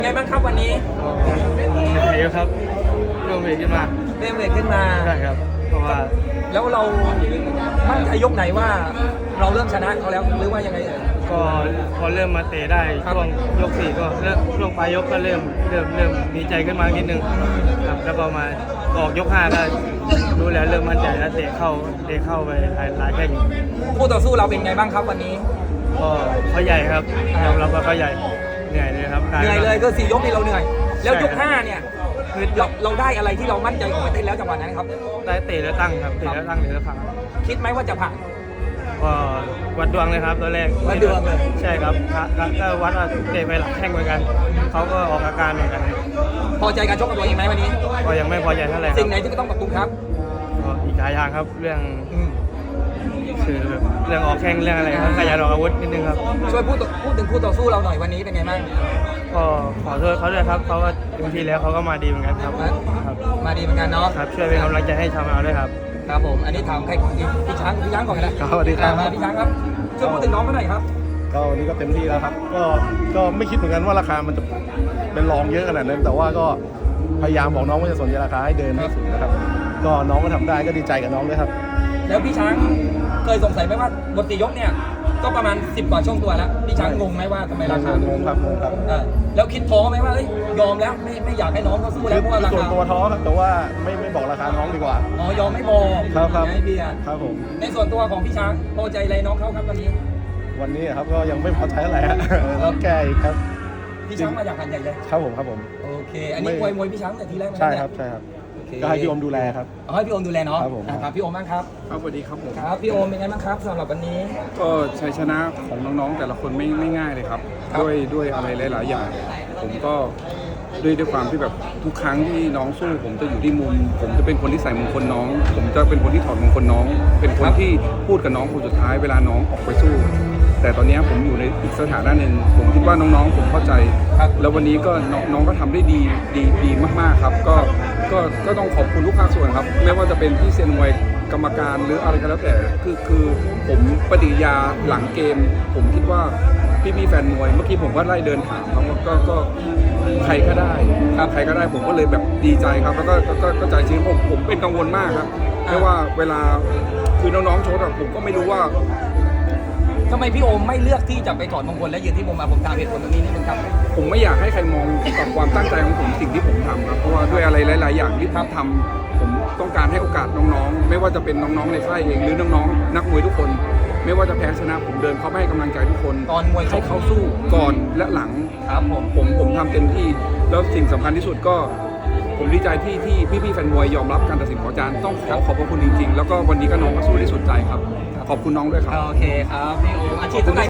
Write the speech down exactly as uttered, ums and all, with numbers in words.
ไงบ้างครับวันนี้เยอะครับเริ่มเวทขึ้นมาเริ่มเวทขึ้นมาใช่ครับเพราะว่าแล้วเรามั่นใจยกไหนว่าเราเริ่มชนะเขาแล้วหรือว่ายังไงก็พอเริ่มมาเตะได้ช่วงยกสี่ก็เริ่มช่วงปลายยกก็เริ่มเริ่มเริ่มมีใจขึ้นมานิดนึงครับแล้วพอมาออกยกห้าก็รู้แล้วเริ่มมั่นใจแล้วเตะเข้าเตะเข้าไปหลายหลายแข้งคู่ต่อสู้เราเป็นไงบ้างครับวันนี้ก็เขาใหญ่ครับยอมรับว่าเขาใหญ่เหนื่อยเลยครับเหนื่อยเลยก็สี่ยกนี่เราเหนื่อยแล้วยกห้าเนี่ยคือเราเราได้อะไรที่เรามั่นใจของประเทศแล้วจังหวะนั้นครับได้เตะแล้วตั้งครับเตะแล้วตั้งเตะแล้วพังคิดไหมว่าจะผ่านก็วัดดวงเลยครับตัวแรกวัดดวงเลยใช่ครับก็วัดว่าเตะไปหลักแข้งเหมือนกันเขาก็ออกอาการเหมือนกันพอใจการชกกับตัวเองไหมวันนี้ก็ยังไม่พอใจเท่าไหร่สิ่งไหนที่ต้องปรับปรุงครับก็อีกหลายอย่างครับเรื่องคือเรื่องออกแข้งเรื่องอะไรครับขยันออกอาวุธนิดนึงครับช่วยพูดพูดถึงคู่ต่อสู้เราหน่อยวันนี้เป็นไงบ้างก็ขอโทษเขาด้วยครับเขาก็เต็มที่แล้วเขาก็มาดีเหมือนกันครับมาดีเหมือนกันเนาะครับช่วยเป็นกำลังใจให้ชาวนาด้วยครับครับผมอันนี้ถามใครพี่ช้างพี่ช้างก่อนนะสวัสดีครับมาพี่ช้างครับช่วยพูดถึงน้องเขาหน่อยครับก็วันนี้ก็เต็มที่แล้วครับก็ก็ไม่คิดเหมือนกันว่าราคามันจะเป็นรองเยอะขนาดนั้นแต่ว่าก็พยายามบอกน้องว่าจะสนใจราคาให้เดินให้สูงนะครับก็น้องก็ทำได้ก็ดีใจกับน้องด้วยครับแล้วพี่ช้างเคยสงสัยไหมว่าบทตียกเนี่ยก็ประมาณสิบกว่าช่วงตัวแล้วพี่ช้างงงไหมว่าทำไมราคางงครับงงครับแล้วคิดท้อไหมว่าเอ้ยยอมแล้วไม่ไม่อยากให้น้องเขาสู้แล้วเพราะว่าราคาส่วนตัวท้อครับแต่ว่าไม่ไม่บอกราคาน้องดีกว่าอ๋อยอมไม่บอกครับครับให้เบียร์ครับผมในส่วนตัวของพี่ช้างพอใจอะไรน้องเขาครับวันนี้วันนี้ครับก็ยังไม่พอใจอะไรฮะแล้วแก้อีกครับพี่ช้างมาจากหันใหญ่เลยครับผมครับผมโอเคอันนี้มวยมวยพี่ช้างแต่ทีแรกใช่ครับใช่ครับก็ให้พี่โอมดูแลครับให้พี่โอมดูแลเนาะครับผมครับพี่โอมบ้างครับครับสวัสดีครับผมครับพี่โอมเป็นไงบ้างครับสำหรับวันนี้ก็ชัยชนะของน้องๆแต่ละคนไม่ไม่ง่ายเลยครับด้วยด้วยอะไรหลายๆอย่างผมก็ด้วยด้วยความที่แบบทุกครั้งที่น้องสู้ผมจะอยู่ที่มุมผมจะเป็นคนที่ใส่มงคลน้องผมจะเป็นคนที่ถอดมงคลน้องเป็นคนที่พูดกับน้องคนสุดท้ายเวลาน้องออกไปสู้แต่ตอนนี้ผมอยู่ในอีกสถานะหนึ่งผมคิดว่าน้องๆผมเข้าใจแล้ววันนี้ก็น้องๆก็ทำได้ดีดีดีมากๆครับก็ก็ก็ต้องขอบคุณทุกภาคส่วนครับไม่ว่าจะเป็นพี่เซียนมวยกรรมการหรืออะไรก็แล้วแต่คือคือผมปฏิกิริยาหลังเกมผมคิดว่าพี่พี่แฟนมวยเมื่อกี้ผมก็ไล่เดินถามเขาก็ก็ใครก็ได้ครับใครก็ได้ผมก็เลยแบบดีใจครับแล้วก็ก็ก็ใจชื้นผมผมเป็นกังวลมากครับเพราะว่าเวลาคือน้องๆโชว์แบบผมก็ไม่รู้ว่าทำไมพี่โอมไม่เลือกที่จะไปถอดมงคลและยืนที่มุมมาผมตามเหตุผลตรงนี้นิดนึงครับผมไม่อยากให้ใครมองกับความตั้งใจของผมสิ่งที่ผมทำครับเพราะว่าด้วยอะไรหลายๆอย่างที่ผมทำผมต้องการให้โอกาสน้องๆไม่ว่าจะเป็นน้องๆในค่ายเองหรือน้องๆนักมวยทุกคนไม่ว่าจะแพ้ชนะผมเดินเข้าไปให้กำลังใจทุกคนตอนมวยให้เขาสู้ก่อนและหลังครับผมผมผมทำเต็มที่แล้วสิ่งสำคัญที่สุดก็ผมดีใจที่ที่พี่ๆแฟนมวยยอมรับการตัดสินของอาจารย์ต้องขอขอบพระคุณจริงๆแล้วก็วันนี้ก็น้องก็สู้ได้สุดใจครับขอบคุณน้องด้วยครับโอเคครับพี่โออาชีพ